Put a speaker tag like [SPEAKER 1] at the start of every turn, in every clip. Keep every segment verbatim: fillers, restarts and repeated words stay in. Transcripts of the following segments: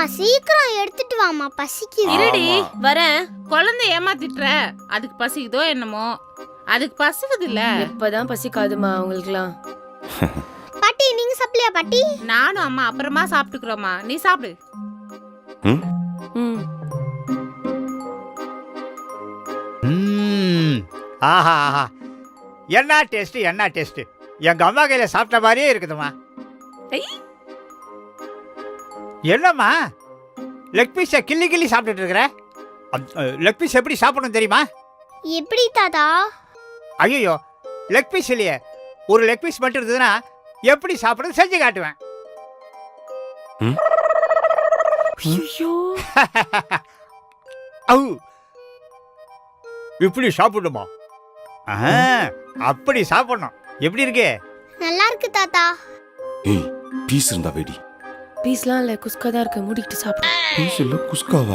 [SPEAKER 1] சீக்கிரம் எடுத்துட்டு வாமா, பசிக்குது.
[SPEAKER 2] இருடி வரேன். குழந்தை ஏமாத்திட்டுற, அதுக்கு பசிக்குதோ என்னமோ. அதுக்கு பசிக்குது இல்ல.
[SPEAKER 3] இப்பதான் பசிக்காதுமா அவங்களுக்குலாம்.
[SPEAKER 1] பாட்டி நீங்க சாப்பிடலையா பாட்டி?
[SPEAKER 2] நானும் அம்மா அப்புறமா சாப்பிட்டுக்கிறோமா, நீ சாப்பிடு.
[SPEAKER 3] ம்
[SPEAKER 4] ம் ஆஹா ஆஹா, என்ன டேஸ்ட் என்ன டேஸ்ட். எங்க அம்மா கையில சாப்பிட்ட மாதிரியே இருக்குதுமா. என்னம்மா லெக் பீஸை கிள்ளி கிள்ளி சாப்பிட்டுட்டு இருக்கிற? லெக் பீஸ் எப்படி சாப்பிடணும் தெரியுமா?
[SPEAKER 1] எப்படி தாத்தா?
[SPEAKER 4] ஐயோ, லெக் பீஸ் இல்லையே, ஒரு லெக் பீஸ் மட்டும் இருந்ததுன்னா எப்படி சாப்பிடுறது செஞ்சு காட்டுவேன். இப்படி சாப்பிடுமா? அப்படி சாப்பிடணும். எப்படி இருக்கு?
[SPEAKER 1] நல்லா இருக்கு தாத்தா.
[SPEAKER 5] ஏய், பீஸ் இருந்தா வெடி.
[SPEAKER 3] பீஸ்லாம் இல்ல, குஸ்கா தான் இருக்கு. மூடிட்டு சாப்பிடு.
[SPEAKER 5] பீஸ் இல்ல, குஸ்காவா?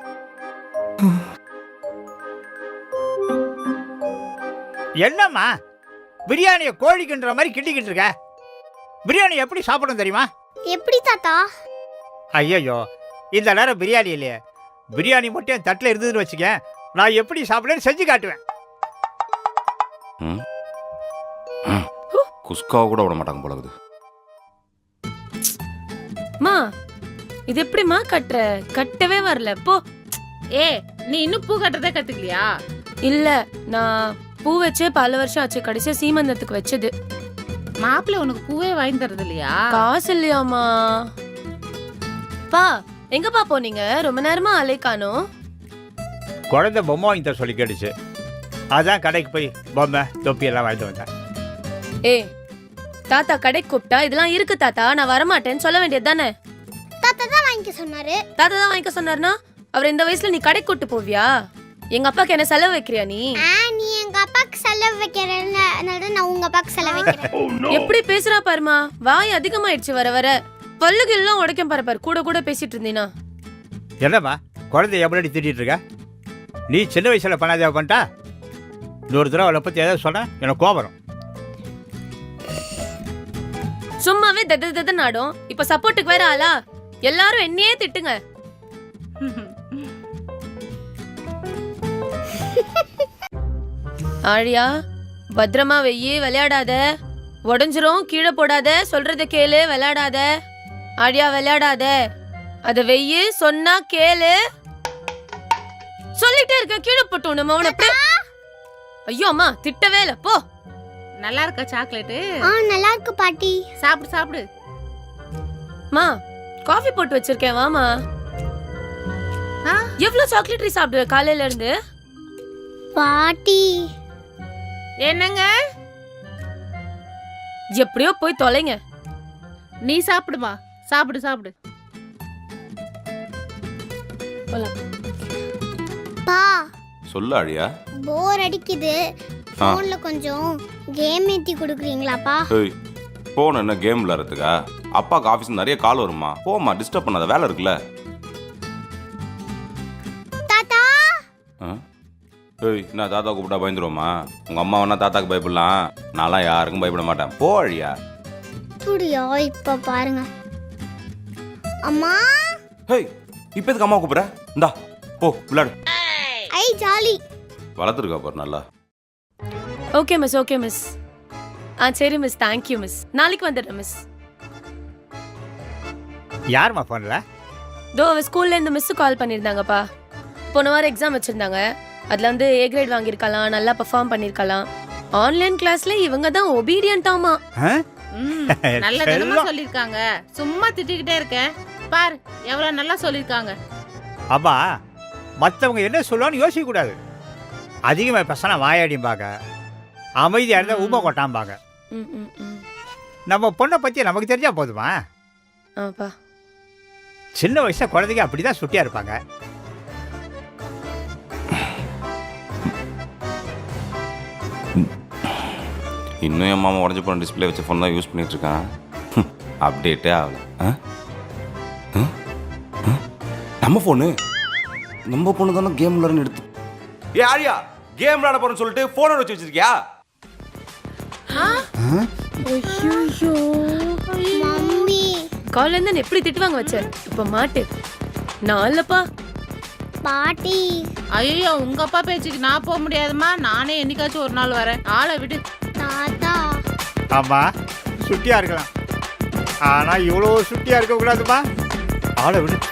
[SPEAKER 4] என்னம்மா பிரியாணியை கோழிக்குன்ற மாதிரி கிண்டிக்கிட்டு இருக்க? பிரியாணி எப்படி சாப்பிடணும் தெரியுமா?
[SPEAKER 1] எப்படி தாத்தா?
[SPEAKER 4] ஐயோ, இந்த நேரம் பிரியாணி இல்லையே. பிரியாணி மட்டும் என் தட்டில் இருந்ததுன்னு வச்சுக்க, நான் எப்படி சாப்பிடுன்னு செஞ்சு காட்டுவேன்.
[SPEAKER 5] குஸ்காவை கூட விட மாட்டாங்க போல இருக்குது.
[SPEAKER 3] மா இது எப்படிமா கட்டுற? கட்டவே வரல போ.
[SPEAKER 2] ஏ, நீ இன்னும் பூ கட்டுறதே கத்துக்கலையா?
[SPEAKER 3] இல்ல, நான் பூ வச்சே பல வருஷம் ஆச்சு. கடைசியா சீமந்தத்துக்கு வச்சது.
[SPEAKER 2] மாப்பிள்ளை உனக்கு பூவே வாங்கி தரது இல்லையா?
[SPEAKER 3] காசு இல்லையாமா? பா எங்கப்பா போனீங்க? ரொம்ப நேரமா அலை காணோம்.
[SPEAKER 4] குழந்தை பொம்மை வாங்கி தர சொல்லி கேட்டுச்சு, அதான் கடைக்கு போய் பொம்மை தொப்பி எல்லாம் வாங்கிட்டு வந்தேன்.
[SPEAKER 3] ஏ தாத்தா கடைக்கு கூப்பிட்டா இதெல்லாம் இருக்கு தாத்தா, நான் வரமாட்டேன்னு சொல்ல வேண்டியது தானே?
[SPEAKER 1] தாத்தா தான் வாங்கிக்க சொன்னாரு.
[SPEAKER 3] தாத்தா தான் வாங்கிக்க சொன்னார்னா அவர் இந்த வயசுல நீ கடைக்கு கூட்டு போவியா? எங்க அப்பாக்கு என்ன செலவு வைக்கிறியா நீ?
[SPEAKER 1] நீ எங்க அப்பாக்கு செலவு வைக்கிறேன்னு நான் உங்க அப்பாக்கு செலவு வைக்கிறேன்.
[SPEAKER 3] எப்படி பேசுறா பாருமா, வாய் அதிகமாயிடுச்சு வர வர. பல்லுக்கு எல்லாம் உடைக்கும் பாரு பாரு, கூட கூட பேசிட்டு இருந்தீனா.
[SPEAKER 4] என்னம்மா குழந்தை எப்படி திட்டிட்டு இருக்க? நீ சின்ன வயசுல பண்ணாதே பண்ணிட்டா, இன்னொரு தடவை அவளை பத்தி ஏதாவது சொன்ன எனக்கு கோபம்.
[SPEAKER 3] சும்மாவே தத தத நாடும். இப்ப சப்போர்ட்டுக்கு வேற ஆளா? எல்லாரும் என்னையே திட்டுங்க. ஆழியா பத்திரமா வெய்யி, விளையாடாத, உடஞ்சிரும். கீழே போடாத, சொல்றத கேளு, விளையாடாத. ஆழியா விளையாடாத, அத வெய்யி, சொன்னா கேளு. சொல்லிட்டே இருக்க, கீழே போட்டு நம்ம அவனை. ஐயோ அம்மா திட்டவே இல்ல போ.
[SPEAKER 2] நல்லா இருக்கா சாக்லேட்டு?
[SPEAKER 1] ஆ நல்லா இருக்கு பாட்டி.
[SPEAKER 2] சாப்பிடு சாப்பிடு.
[SPEAKER 3] மா காஃபி போட்டு வச்சிருக்கேன், வாமா. எவ்வளவு சாக்லேட் சாப்பிடுவ காலையில இருந்து?
[SPEAKER 1] பாட்டி
[SPEAKER 2] என்னங்க?
[SPEAKER 3] எப்படியோ போய் தொலைங்க.
[SPEAKER 2] நீ சாப்பிடுமா, சாப்பிடு சாப்பிடு.
[SPEAKER 1] பா
[SPEAKER 5] சொல்ல அழியா,
[SPEAKER 1] போர் அடிக்குது. போன்ல கொஞ்சம் கேம் ஏத்தி கொடுக்குறீங்களாப்பா?
[SPEAKER 5] ஏய், போன் என்ன கேம் விளையாடுறதுக்கா? அப்பாக்கு ஆபீஸ் நிறைய கால் வருமா, போமா, டிஸ்டர்ப் பண்ணாத, வேலை இருக்குல்ல.
[SPEAKER 1] தாத்தா
[SPEAKER 5] ஏய், நான் தாத்தா கூப்பிட்டா பயந்துருவோமா? உங்க அம்மா வேணா தாத்தாக்கு பயப்படலாம், நான்லாம் யாருக்கும் பயப்பட மாட்டேன். போ அழியா.
[SPEAKER 1] புடியோ இப்ப பாருங்க அம்மா.
[SPEAKER 5] ஹேய், இப்போ எதுக்கு அம்மா கூப்பிடுற? இந்தா போ விளையாடு.
[SPEAKER 1] ஐ ஜாலி.
[SPEAKER 5] வளர்த்துருக்கா பாரு நல்லா.
[SPEAKER 3] Okay miss, okay miss. ஆ சரி மிஸ், தேங்க்யூ மிஸ். நாளைக்கு வந்துடுறேன் மிஸ்.
[SPEAKER 4] யாருமா போன்ல?
[SPEAKER 3] தோ அவ ஸ்கூல்ல இருந்து மிஸ் கால் பண்ணிருந்தாங்கப்பா. போன வாரம் எக்ஸாம் வச்சிருந்தாங்க. அதுல வந்து ஏ கிரேட் வாங்கியிருக்கலாம், நல்லா பெர்ஃபார்ம் பண்ணிருக்கலாம். ஆன்லைன் கிளாஸ்ல இவங்க தான் ஒபீடியன்ட்டாமா.
[SPEAKER 2] நல்ல தினமா சொல்லிருக்காங்க. சும்மா திட்டிக்கிட்டே இருக்க பாரு, எவ்வளவு நல்லா சொல்லிருக்காங்க.
[SPEAKER 4] அம்மா மற்றவங்க என்ன சொல்லுவான்னு யோசிக்க கூடாது. அதிகமாக பேசினா வாயாடிம்பாங்க, அமைதியாக இருந்தால் ஊமை கொட்டாம்பாங்க. நம்ம பொண்ணை பற்றி நமக்கு தெரிஞ்சா போதுமா?
[SPEAKER 3] ஆப்பா
[SPEAKER 4] சின்ன வயசுல குழந்தைங்க அப்படிதான் சுட்டியா இருப்பாங்க.
[SPEAKER 5] இன்னும் என் மாமா உடஞ்சி போன டிஸ்பிளே வச்ச ஃபோன் தான் யூஸ் பண்ணிட்டு இருக்கான். அப்டேட்டே ஆகல. நம்ம ஃபோனு நம்ம பொண்ணு தானே கேம் விளையாடுன்னு எடுத்து. ஏ ஆரியா, கேம் விளையாட போறேன்னு சொல்லிட்டு ஃபோனை வச்சு வச்சிருக்கியா?
[SPEAKER 3] ஐயோ
[SPEAKER 1] மம்மி
[SPEAKER 3] காலையில இருந்து எப்படி திட்டுவாங்க வச்ச, இப்ப மாட்டு. நான் இல்லப்பா.
[SPEAKER 1] பாட்டி
[SPEAKER 2] ஐயோ உங்க அப்பா பேச்சுக்கு நான் போக முடியாதுமா. நானே என்னைக்காச்சும் ஒரு நாள் வரேன். ஆளை விடு.
[SPEAKER 1] தாத்தா
[SPEAKER 4] ஆமாம் சுட்டியாக இருக்கலாம், ஆனால் இவ்வளோ சுட்டியாக இருக்கக்கூடாதுப்பா. ஆளை விடு.